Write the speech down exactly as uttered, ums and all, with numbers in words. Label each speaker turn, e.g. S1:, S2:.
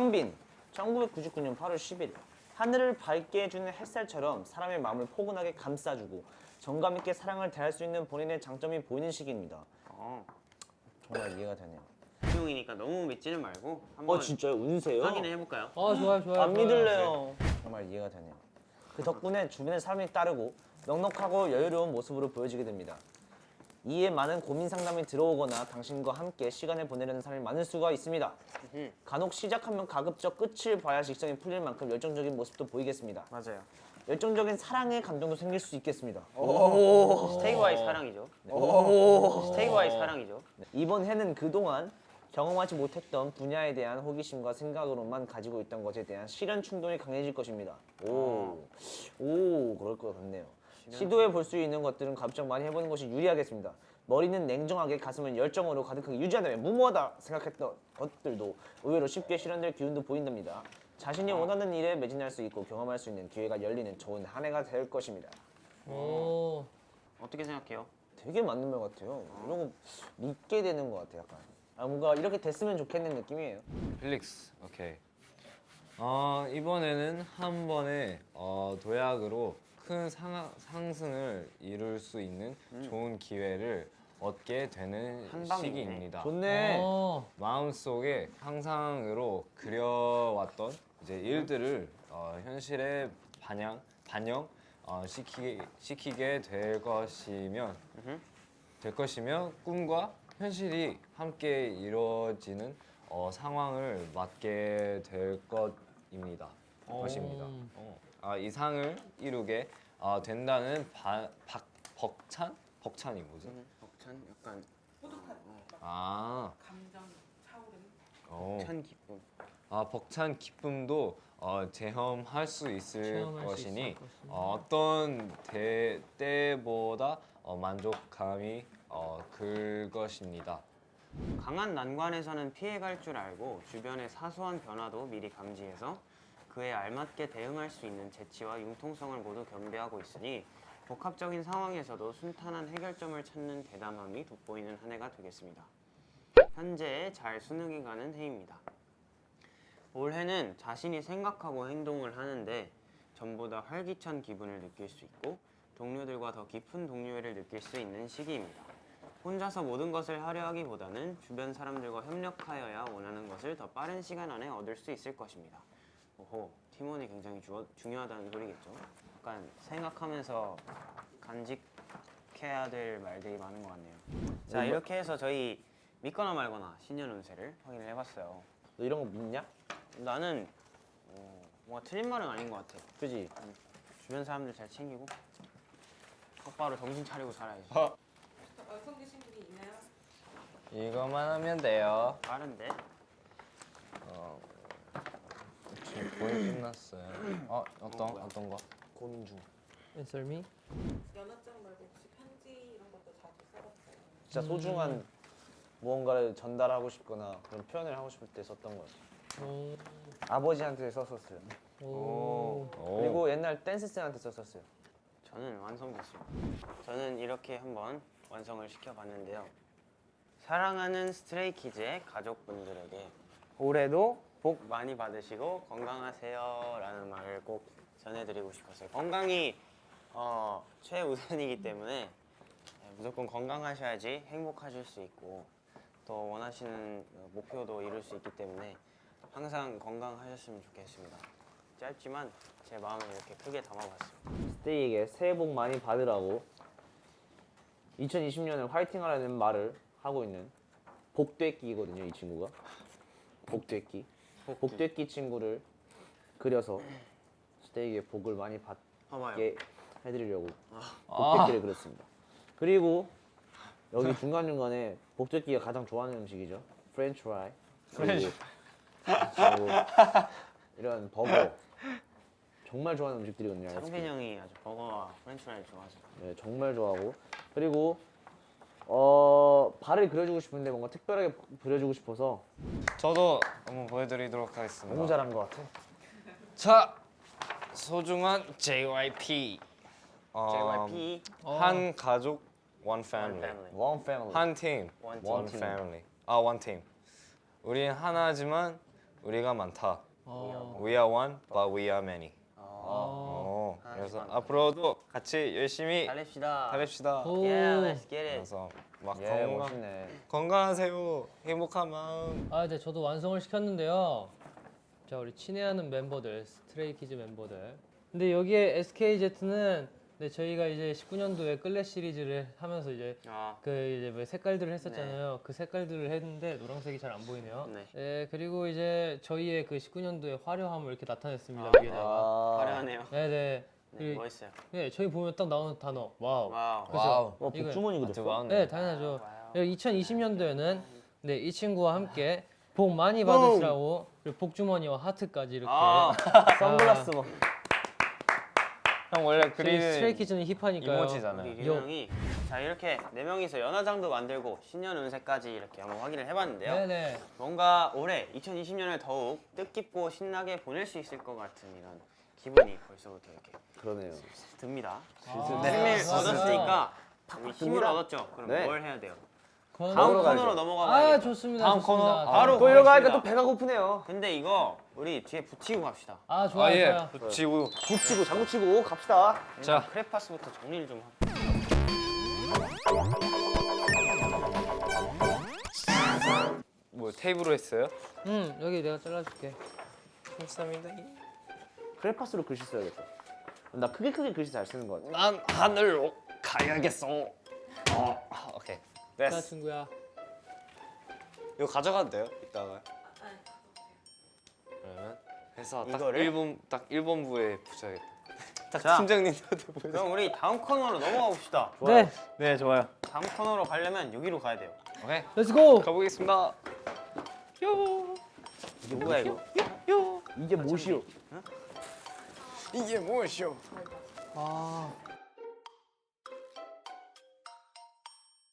S1: 박영빈, 천구백구십구 년 팔월 십일. 하늘을 밝게 해주는 햇살처럼 사람의 마음을 포근하게 감싸주고 정감 있게 사랑을 대할 수 있는 본인의 장점이 보이는 시기입니다.
S2: 어.
S1: 정말 이해가 되네요.
S2: 수용이니까 너무 믿지는 말고 한번
S1: 어 진짜요? 운세요?
S2: 확인해 해볼까요?
S3: 어 좋아요 좋아요.
S1: 안
S3: 좋아요.
S1: 믿을래요. 정말 이해가 되네요. 그 덕분에 주변의 사람이 따르고 넉넉하고 여유로운 모습으로 보여지게 됩니다. 이에 많은 고민 상담이 들어오거나 당신과 함께 시간을 보내려는 사람이 많을 수가 있습니다. 간혹 시작하면 가급적 끝을 봐야 직성이 풀릴 만큼 열정적인 모습도 보이겠습니다.
S2: 맞아요.
S1: 열정적인 사랑의 감정도 생길 수 있겠습니다.
S2: 스테이와의 사랑이죠. 스테이와의 사랑이죠.
S1: 네, 이번 해는 그동안 경험하지 못했던 분야에 대한 호기심과 생각으로만 가지고 있던 것에 대한 실현 충동이 강해질 것입니다. 오, 오 그럴 것 같네요. 시도해 볼 수 있는 것들은 가급적 많이 해보는 것이 유리하겠습니다. 머리는 냉정하게 가슴은 열정으로 가득하게 유지한다면 무모하다 생각했던 것들도 의외로 쉽게 실현될 기운도 보인답니다. 자신이 원하는 일에 매진할 수 있고 경험할 수 있는 기회가 열리는 좋은 한 해가 될 것입니다.
S3: 오.
S2: 어떻게 생각해요?
S1: 되게 맞는 말 같아요. 이런 거 믿게 되는 것 같아요. 약간 아, 뭔가 이렇게 됐으면 좋겠는 느낌이에요.
S4: 필릭스, 오케이. 어, 이번에는 한 번에 어, 도약으로 큰 상, 상승을 이룰 수 있는 좋은 기회를 얻게 되는
S2: 한 방이네.
S4: 시기입니다.
S1: 좋네.
S3: 어.
S4: 마음속에 상상으로 그려왔던 이제 일들을 어, 현실에 반영, 반영 어, 시키, 시키게 될 것이면 될 것이며 꿈과 현실이 함께 이루어지는 어, 상황을 맞게 될 것입니다. 것입니다. 어. 아, 이 상을 이루게 어, 된다는 바, 박, 벅찬? 벅찬이 뭐지?
S2: 벅찬 약간
S4: 아,
S5: 감정 차오르는
S4: 어.
S2: 벅찬 기쁨.
S4: 아, 벅찬 기쁨도 어, 체험할 수 있을
S3: 체험할 수
S4: 것이니
S3: 있을 것입니다.
S4: 어, 어떤 대, 때보다 어, 만족감이 어, 클 것입니다.
S2: 강한 난관에서는 피해갈 줄 알고 주변의 사소한 변화도 미리 감지해서 그에 알맞게 대응할 수 있는 재치와 융통성을 모두 겸비하고 있으니 복합적인 상황에서도 순탄한 해결점을 찾는 대담함이 돋보이는 한 해가 되겠습니다. 현재 잘 수능이 가는 해입니다. 올해는 자신이 생각하고 행동을 하는데 전보다 활기찬 기분을 느낄 수 있고 동료들과 더 깊은 동료애를 느낄 수 있는 시기입니다. 혼자서 모든 것을 하려 하기보다는 주변 사람들과 협력하여야 원하는 것을 더 빠른 시간 안에 얻을 수 있을 것입니다. 오호, 팀원이 굉장히 주, 중요하다는 소리겠죠. 약간 생각하면서 간직해야 될 말들이 많은 것 같네요. 자, 이렇게 해서 저희 믿거나 말거나 신년 운세를 확인을 해봤어요.
S1: 너 이런 거 믿냐?
S2: 나는 어, 뭔가 틀린 말은 아닌 것 같아.
S1: 그지?
S2: 주변 사람들 잘 챙기고 똑바로 정신 차리고 살아야지.
S5: 완성되신 분이 있나요?
S4: 이거만 하면 돼요.
S2: 빠른데?
S4: 어, 지금 거의 끝났어요. 어, 어떤
S2: 뭐야?
S4: 어떤 거?
S1: 곤중.
S3: Answer me.
S5: 연하장 말고 혹시 편지 이런 것도 자주 써봤어요?
S1: 진짜 소중한 무언가를 전달하고 싶거나 그런 표현을 하고 싶을 때 썼던 것 같아요.
S3: 오.
S1: 아버지한테 썼었어요.
S3: 오.
S4: 오.
S1: 그리고 옛날 댄스쌤한테 썼었어요.
S2: 저는 완성됐습니다. 저는 이렇게 한번 완성을 시켜봤는데요. 사랑하는 스트레이키즈의 가족분들에게 올해도 복 많이 받으시고 건강하세요 라는 말을 꼭 전해드리고 싶었어요. 건강이 어, 최우선이기 때문에 무조건 건강하셔야지 행복하실 수 있고 또 원하시는 목표도 이룰 수 있기 때문에 항상 건강하셨으면 좋겠습니다. 짧지만 제 마음을 이렇게 크게 담아봤습니다.
S1: 스테이에게 새해 복 많이 받으라고 이천이십 년을 화이팅 하라는 말을 하고 있는 복되끼거든요, 이 친구가. 복되끼. 복되끼 친구를 그려서 스테이에게 복을 많이
S2: 봐봐요.
S1: 받게 해드리려고 복되끼를 그렸습니다. 그리고 여기 중간중간에 복되끼가 가장 좋아하는 음식이죠. 프렌치 프라이. 그리고 그리고 이런 버거. 정말 좋아하는 음식들이거든요.
S2: 창빈 형이 아주 버거와 프렌치프라이를 좋아하죠.
S1: 네, 정말 좋아하고 그리고 어 발을 그려주고 싶은데 뭔가 특별하게 그려주고 싶어서
S4: 저도 한번 보여드리도록 하겠습니다.
S1: 너무 잘한 것 같아.
S4: 자, 소중한 제이와이피. 어,
S2: 제이와이피
S4: 한 가족, one family.
S2: family.
S1: One family.
S4: 한 팀,
S2: One
S4: one
S2: team.
S4: family. 아, one team. 우린 하나지만 우리가 많다.
S3: 어.
S4: We are one, but we are many.
S3: 어.
S4: 어, 그래서 앞으로도 같이 열심히
S2: 달립시다.
S4: 달립시다.
S3: 오.
S2: Yeah, let's get it.
S4: 그래서 막
S1: 예,
S4: 건강,
S1: 멋있네.
S4: 건강하세요. 행복한 마음.
S3: 아, 네, 저도 완성을 시켰는데요. 자, 우리 친애하는 멤버들, 스트레이키즈 멤버들. 근데 여기에 에스케이제트는 네, 저희가 이제 십구 년도에 끌레 시리즈를 하면서 이제
S2: 아,
S3: 그 이제 뭐 색깔들을 했었잖아요. 그 색깔들을 했는데 노란색이 잘 안 보이네요.
S2: 네.
S3: 네, 그리고 이제 저희의 그 십구 년도의 화려함을 이렇게 나타냈습니다.
S2: 아,
S3: 위에다가.
S1: 아,
S2: 화려하네요.
S3: 네, 네.
S2: 네,
S3: 그-
S2: 멋있어요.
S3: 네, 저희 보면 딱 나오는 단어. 와우.
S2: 와우.
S3: 그죠?
S4: 와우.
S1: 어,
S3: 이거-
S1: 복주머니 그렸어?
S4: 와우.
S3: 네, 당연하죠.
S2: 와우.
S3: 이천이십 년도에는 네, 이 친구와 함께 복 많이 받으시라고 그리고 복주머니와 하트까지 이렇게.
S2: 아,
S1: 선글라스 뭐.
S4: 형 원래
S3: 저희
S4: 그리는
S3: 스트레이키즈는 힙하니까요.
S4: 이모지잖아요.
S2: 우리 윤 형이 자 이렇게 네 명이서 연화장도 만들고 신년 운세까지 이렇게 한번 확인을 해봤는데요.
S3: 네네.
S2: 뭔가 올해 이천이십 년을 더욱 뜻깊고 신나게 보낼 수 있을 것 같은 이런 기분이 벌써부터 이렇게
S1: 그러네요.
S2: 듭니다.
S3: 아,
S2: 힘을
S3: 좋아, 좋아.
S2: 얻었으니까 우리 힘을
S1: 듭니다.
S2: 얻었죠. 그럼
S1: 네.
S2: 뭘 해야 돼요?
S3: 코너-
S2: 다음
S1: 먹으러 가야죠.
S2: 코너로 넘어가
S3: 아
S2: 봐야겠다.
S3: 좋습니다.
S4: 다음
S3: 좋습니다.
S4: 코너.
S2: 바로
S1: 또 이러고 하니까
S2: 가겠습니다.
S1: 또 배가 고프네요.
S2: 근데 이거 우리 뒤에 붙이고 갑시다.
S3: 아 좋아요.
S4: 아 예.
S3: 좋아요.
S4: 붙이고.
S1: 붙이고 장구 치고 갑시다.
S4: 자.
S2: 크레파스부터 정리를 좀 하고.
S4: 뭐 테이프로 했어요?
S3: 응 여기 내가 잘라줄게.
S4: 감사합니다.
S1: 크레파스로 글씨 써야겠다. 나 크게 크게 글씨 잘 쓰는 거 같아.
S4: 난 하늘로 가야겠어. 어, 오케이.
S3: 자
S4: 됐어.
S3: 친구야.
S4: 이거 가져가도 돼요? 이따가.
S5: 아,
S4: 그러면 해서 딱
S2: 이거를?
S4: 일 번 딱 일 번부에 붙여야겠다. 딱
S2: 자.
S4: 팀장님한테 보여.
S2: 그럼 우리 다음 코너로 넘어가 봅시다.
S3: 네.
S4: 네, 좋아요.
S2: 다음 코너로 가려면 여기로 가야 돼요.
S4: 오케이.
S3: 렛츠 고.
S4: 가보겠습니다. 요.
S2: 이게 뭐야 이거?
S4: 요.
S1: 이게 무엇이오?
S4: 이게 무엇이오?
S3: 아